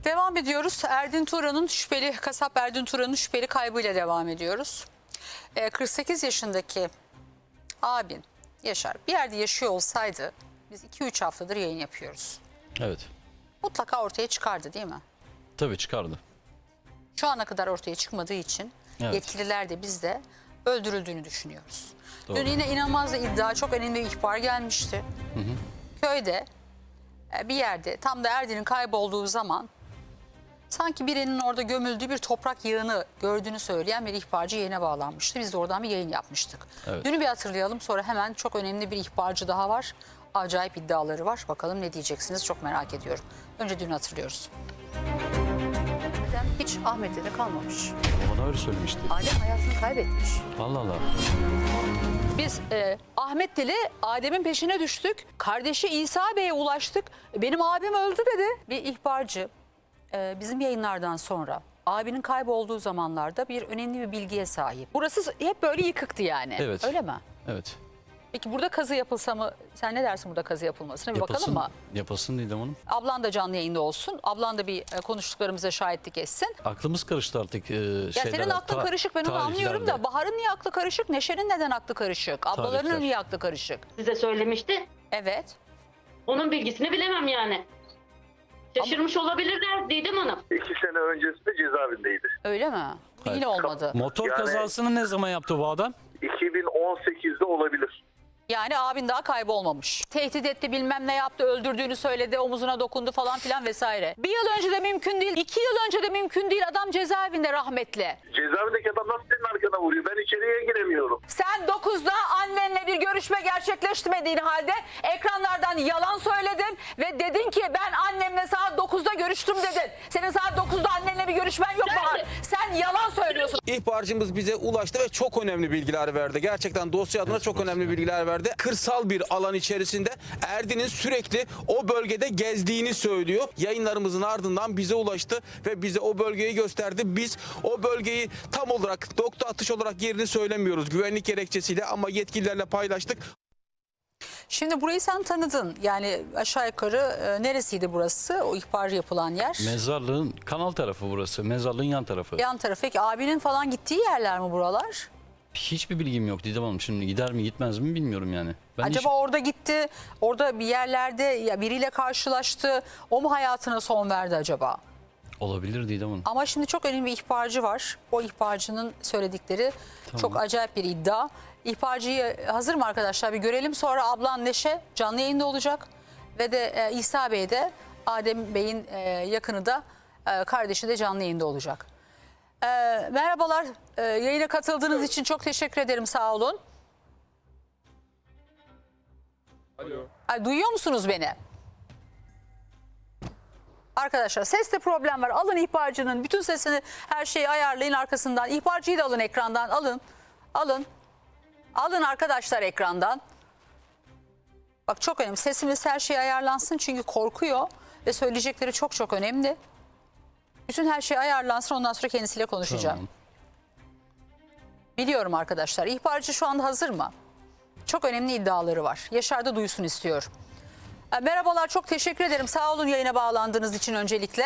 Devam ediyoruz. Erdin Turan'ın şüpheli, kasap Erdin Turan'ın şüpheli kaybıyla devam ediyoruz. 48 yaşındaki abin Yaşar bir yerde yaşıyor olsaydı biz 2-3 haftadır yayın yapıyoruz. Evet. Mutlaka ortaya çıkardı değil mi? Tabii çıkardı. Şu ana kadar ortaya çıkmadığı için Evet. yetkililer de biz de öldürüldüğünü düşünüyoruz. Doğru. Dün yine inanılmaz da iddia, çok önemli bir ihbar gelmişti. Köyde bir yerde tam da Erdin'in kaybolduğu zaman sanki birinin orada gömüldüğü bir toprak yığını gördüğünü söyleyen bir ihbarcı yayına bağlanmıştı. Biz de oradan bir yayın yapmıştık. Evet. Dünü bir hatırlayalım, sonra hemen çok önemli bir ihbarcı daha var. Acayip iddiaları var. Bakalım ne diyeceksiniz, çok merak ediyorum. Önce dünü hatırlıyoruz. Hiç Ahmet'te de kalmamış. Bana öyle söylemişti. Adem hayatını kaybetmiş. Allah Allah. Biz Ahmet ile Adem'in peşine düştük. Kardeşi İsa Bey'e ulaştık. Benim abim öldü dedi. Bir ihbarcı bizim yayınlardan sonra abinin kaybolduğu zamanlarda bir önemli bir bilgiye sahip. Burası hep böyle yıkıktı yani. Evet. Öyle mi? Evet. Peki burada kazı yapılsa mı? Sen ne dersin burada kazı yapılmasına? Bir bakalım mı? Yapasın Didem Hanım. Ablan da canlı yayında olsun. Ablan da bir konuştuklarımıza şahitlik etsin. Aklımız karıştı artık Ya senin aklın karışık, ben onu anlıyorum da Bahar'ın niye aklı karışık? Neşe'nin neden aklı karışık? Ablalarının Tarihler. niye aklı karışık? Size söylemişti. Evet. Onun bilgisini bilemem yani. Şaşırmış olabilirler Didem Hanım. 2 sene öncesinde cezaevindeydi. Öyle mi? Yine olmadı. Motor Yani- kazasını ne zaman yaptı bu adam? 2018'de olabilir. Yani abin daha kaybolmamış. Tehdit etti, bilmem ne yaptı, öldürdüğünü söyledi, omuzuna dokundu falan filan vesaire. Bir yıl önce de mümkün değil, 2 yıl önce de mümkün değil. Adam cezaevinde rahmetli. Cezaevindeki adam nasıl senin arkana vuruyor? Ben içeriye giremiyorum. Sen 9'da annenle bir görüşme gerçekleştirmediğin halde ekranlardan yalan söyledin ve dedin ki ben annemle saat 9'da görüştüm dedin. Senin saat 9'da annenle bir görüşmen yok Bahar. Sen yalan söylüyorsun. İhbarcımız bize ulaştı ve çok önemli bilgiler verdi. Gerçekten dosya adına çok önemli bilgiler verdi. Kırsal bir alan içerisinde Erdin'in sürekli o bölgede gezdiğini söylüyor. Yayınlarımızın ardından bize ulaştı ve bize o bölgeyi gösterdi. Biz o bölgeyi tam olarak nokta atış olarak yerini söylemiyoruz güvenlik gerekçesiyle ama yetkililerle paylaştık. Şimdi burayı sen tanıdın. Yani aşağı yukarı neresiydi burası? O ihbar yapılan yer. Mezarlığın kanal tarafı burası. Mezarlığın yan tarafı. Yan tarafı. Peki abinin falan gittiği yerler mi buralar? Hiçbir bilgim yok Didem Hanım. Şimdi gider mi gitmez mi bilmiyorum yani. Ben Acaba orada gitti, orada bir yerlerde ya biriyle karşılaştı, o mu hayatına son verdi acaba? Olabilir Didem Hanım. Ama şimdi çok önemli bir ihbarcı var. O ihbarcının söyledikleri çok acayip bir iddia. İhbarcıyı hazır mı arkadaşlar? Bir görelim, sonra ablan Neşe canlı yayında olacak. Ve de İsa Bey de, Adem Bey'in yakını da kardeşi de canlı yayında olacak. Merhabalar, yayına katıldığınız için çok teşekkür ederim, sağ olun. Alo. Ay, duyuyor musunuz beni? Arkadaşlar seste problem var. Alın ihbarcının bütün sesini, her şeyi ayarlayın arkasından. İhbarcıyı da alın ekrandan. Alın. Alın. Alın arkadaşlar ekrandan. Bak çok önemli. Sesimiz, her şey ayarlansın çünkü korkuyor ve söyleyecekleri çok çok önemli. Bütün her şey ayarlansın, ondan sonra kendisiyle konuşacağım. Tamam. Biliyorum arkadaşlar. İhbarcı şu anda hazır mı? Çok önemli iddiaları var. Yaşar da duysun istiyor. Merhabalar, çok teşekkür ederim. Sağ olun yayına bağlandığınız için öncelikle.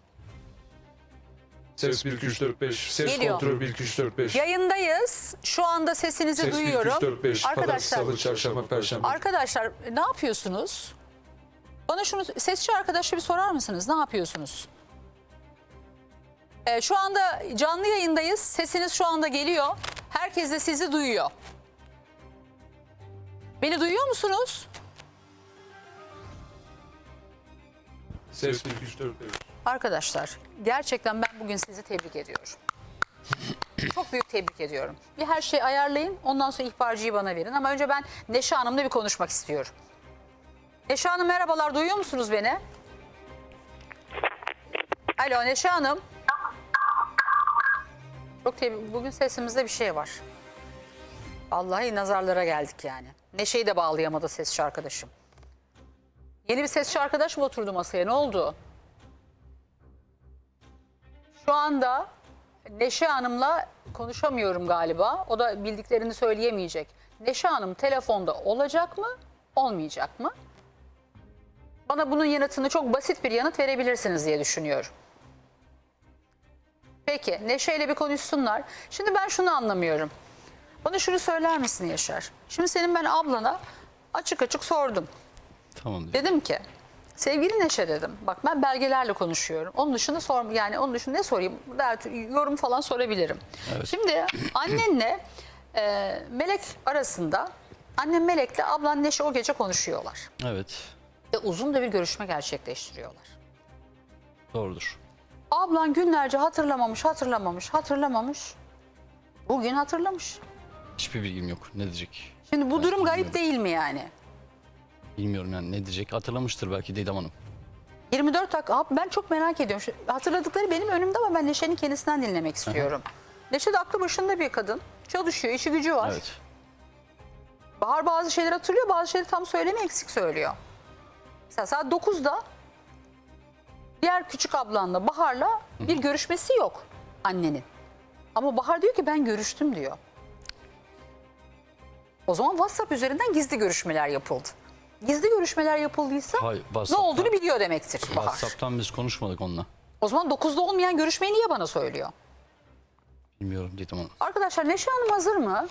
Ses 1 2 3 4 5. Ses Geliyor. kontrol 1 2 3 4 5. Yayındayız. Şu anda sesinizi Ses 1 2 duyuyorum. 3 4 5. Pazartesi, Arkadaşlar, Salı, Çarşamba, Perşembe. arkadaşlar ne yapıyorsunuz? Bana şunu sesçi arkadaşa bir sorar mısınız? Ne yapıyorsunuz? Şu anda canlı yayındayız. Sesiniz şu anda geliyor. Herkes de sizi duyuyor. Beni duyuyor musunuz? Ses 1 2 3 4 5. Arkadaşlar gerçekten ben bugün sizi tebrik ediyorum. Çok büyük tebrik ediyorum. Bir her şeyi ayarlayın, ondan sonra ihbarcıyı bana verin. Ama önce ben Neşe Hanım'la bir konuşmak istiyorum. Neşe Hanım merhabalar, duyuyor musunuz beni? Alo Neşe Hanım. Çok bugün sesimizde bir şey var. Vallahi nazarlara geldik yani. Neşe'yi de bağlayamadı sesçi arkadaşım. Yeni bir sesçi arkadaş mı oturdu masaya, ne oldu? Şu anda Neşe Hanım'la konuşamıyorum galiba. O da bildiklerini söyleyemeyecek. Neşe Hanım telefonda olacak mı, olmayacak mı? Bana bunun yanıtını çok basit bir yanıt verebilirsiniz diye düşünüyorum. Peki Neşe ile bir konuşsunlar. Şimdi ben şunu anlamıyorum. Bana şunu söyler misin Yaşar? Şimdi senin ben ablana açık açık sordum. Tamam Didem. Dedim ki sevgili Neşe dedim. Bak ben belgelerle konuşuyorum. Onun dışında yani onun dışında ne sorayım? Yorum falan sorabilirim. Evet. Şimdi annenle Melek arasında annem Melek'le ablan Neşe o gece konuşuyorlar. Evet. Ve uzun da bir görüşme gerçekleştiriyorlar. Doğrudur. Ablan günlerce hatırlamamış. Bugün hatırlamış. Hiçbir bilgim yok. Ne diyecek? Şimdi bu durum garip bilmiyorum. değil mi yani? Bilmiyorum yani ne diyecek. Hatırlamıştır belki Didem Hanım. 24 dakika. Abi ben çok merak ediyorum. Hatırladıkları benim önümde ama ben Neşe'nin kendisinden dinlemek istiyorum. Neşe de aklı başında bir kadın. Çalışıyor, işi gücü var. Evet. Bahar bazı şeyler hatırlıyor, bazı şeyleri tam söylemiyor, eksik söylüyor. Mesela saat 9'da diğer küçük ablanla Bahar'la bir görüşmesi yok annenin. Ama Bahar diyor ki ben görüştüm diyor. O zaman WhatsApp üzerinden gizli görüşmeler yapıldı. Gizli görüşmeler yapıldıysa Hayır, ne WhatsApp'tan- olduğunu biliyor demektir Bahar. WhatsApp'tan biz konuşmadık onunla. O zaman 9'da olmayan görüşmeyi niye bana söylüyor? Bilmiyorum Didem Hanım. Arkadaşlar Neşe Hanım hazır mı?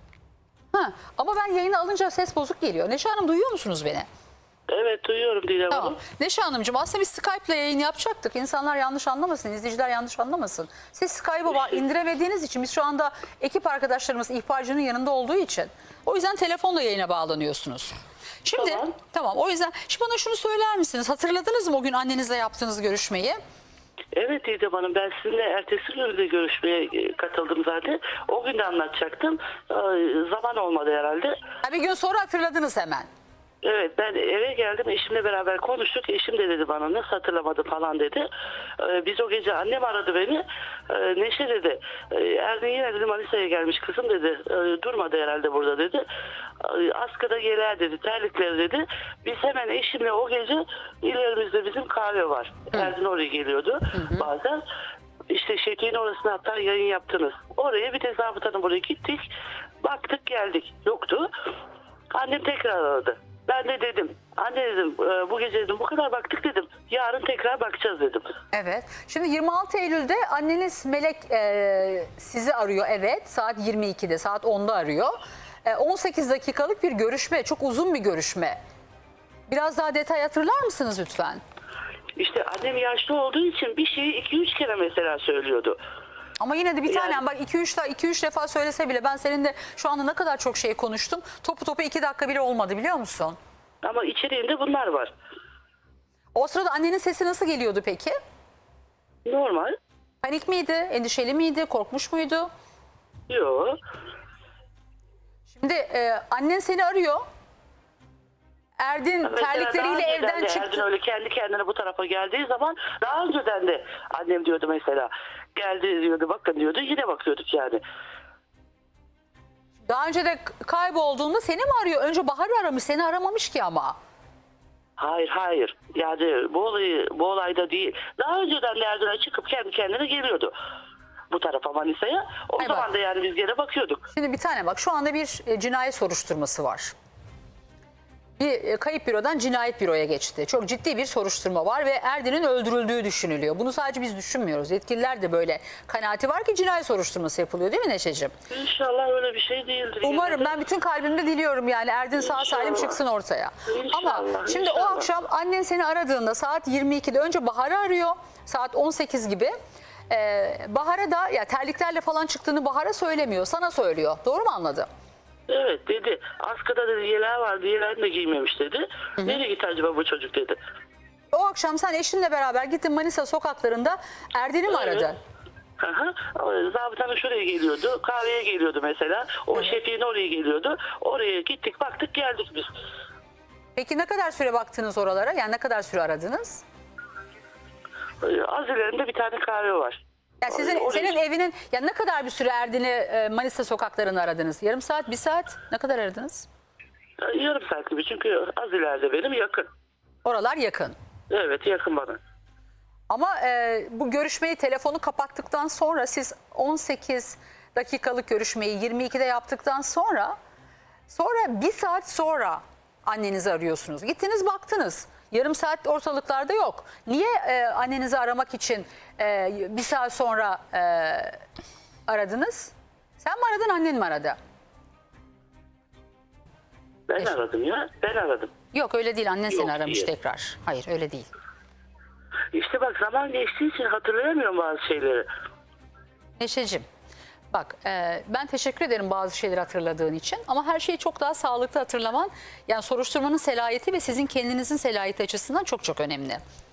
Ama ben yayını alınca ses bozuk geliyor. Neşe Hanım duyuyor musunuz beni? Evet duyuyorum Didem Tamam. Hanım. Neşe Hanımcığım aslında biz Skype'la yayın yapacaktık. İnsanlar yanlış anlamasın, izleyiciler yanlış anlamasın. Siz Skype'ı indiremediğiniz için biz şu anda ekip arkadaşlarımız ihbarcının yanında olduğu için o yüzden telefonla yayına bağlanıyorsunuz. Şimdi tamam o yüzden şimdi bana şunu söyler misiniz? Hatırladınız mı o gün annenizle yaptığınız görüşmeyi? Evet Didem Hanım, ben sizinle ertesi gün de görüşmeye katıldım zaten. O gün de anlatacaktım. Zaman olmadı herhalde. Ha, bir gün sonra hatırladınız hemen. Evet, ben eve geldim, eşimle beraber konuştuk. Eşim de dedi bana nasıl hatırlamadı falan dedi. Biz o gece annem aradı beni. Neşe dedi. Erdin yine dedi Manisa'ya gelmiş kızım dedi. Durmadı herhalde burada dedi. Askıda geler dedi. Terlikleri dedi. Biz hemen eşimle o gece ilerimizde bizim kahve var. Erdin oraya geliyordu bazen. İşte Şevki'nin orasına hatta yayın yaptınız. Oraya bir de zabıtanın buraya gittik. Baktık geldik. Yoktu. Annem tekrar aradı. Ben de dedim, anne dedim bu gece dedim bu kadar baktık dedim. Yarın tekrar bakacağız dedim. Evet. Şimdi 26 Eylül'de anneniz Melek sizi arıyor. Evet. Saat 22'de, saat 10'da arıyor. 18 dakikalık bir görüşme. Çok uzun bir görüşme. Biraz daha detay hatırlar mısınız lütfen? İşte annem yaşlı olduğu için bir şeyi 2-3 kere mesela söylüyordu. Ama yine de bir Yani- tane bak 2-3 defa söylese bile ben seninle şu anda ne kadar çok şey konuştum. Topu 2 dakika bile olmadı biliyor musun? Ama içeriğinde bunlar var. O sırada annenin sesi nasıl geliyordu peki? Normal. Panik miydi? Endişeli miydi? Korkmuş muydu? Yok. Şimdi annen seni arıyor. Erdin Mesela daha terlikleriyle önceden evden de çıktı. Erdin öyle kendi kendine bu tarafa geldiği zaman daha önceden de annem diyordu mesela. Geldi diyordu bakın diyordu yine bakıyorduk yani. Daha önce de kaybolduğunda seni mi arıyor? Önce Bahar'ı aramış, seni aramamış ki ama. Hayır. Yani bu olayda değil. Daha önceden de Erdin'e çıkıp kendi kendine geliyordu. Bu tarafa Manisa'ya. O Hay zaman bak. da yani biz gene bakıyorduk. Şimdi bir tane bak şu anda bir cinayet soruşturması var. Bir kayıp bürodan cinayet büroya geçti. Çok ciddi bir soruşturma var ve Erdin'in öldürüldüğü düşünülüyor. Bunu sadece biz düşünmüyoruz. Yetkililer de böyle kanaati var ki cinayet soruşturması yapılıyor değil mi Neşeciğim? İnşallah öyle bir şey değildir. Umarım, ben bütün kalbimde diliyorum yani Erdin sağ salim İnşallah. çıksın ortaya. İnşallah, Ama şimdi o inşallah. akşam annen seni aradığında saat 22'de önce Bahar'ı arıyor. Saat 18 gibi. Bahar'a da ya terliklerle falan çıktığını Bahar'a söylemiyor. Sana söylüyor. Doğru mu anladım? Evet dedi. Askıda dedi yeleği vardı. Yeleğini de giymemiş dedi. Nereye gitti acaba bu çocuk dedi. O akşam sen eşinle beraber gittin Manisa sokaklarında Erdin'i mi Evet. aradın? Zabıtanın şuraya geliyordu. Kahveye geliyordu mesela. O Şefik'in oraya geliyordu. Oraya gittik baktık geldik biz. Peki ne kadar süre baktınız oralara? Yani ne kadar süre aradınız? Az ilerinde bir tane kahve var. Ya senin evinin ya ne kadar bir süre Erdin'i Manisa sokaklarını aradınız? Yarım saat, bir saat? Ne kadar aradınız? Yarım saat gibi çünkü az ileride benim yakın. Oralar yakın. Evet yakın bana. Ama bu görüşmeyi telefonu kapattıktan sonra siz 18 dakikalık görüşmeyi 22'de yaptıktan sonra bir saat sonra annenizi arıyorsunuz. Gittiniz baktınız. Yarım saat ortalıklarda yok. Niye annenizi aramak için bir saat sonra aradınız? Sen mi aradın, annen mi aradı? Ben aradım ya. Ben aradım. Yok öyle değil, annen seni Yok, aramış değil. tekrar. Hayır öyle değil. İşte bak zaman geçtiği için hatırlayamıyorum bazı şeyleri. Neşeciğim bak ben teşekkür ederim bazı şeyleri hatırladığın için ama her şeyi çok daha sağlıklı hatırlaman yani soruşturmanın selahiyeti ve sizin kendinizin selahiyeti açısından çok çok önemli.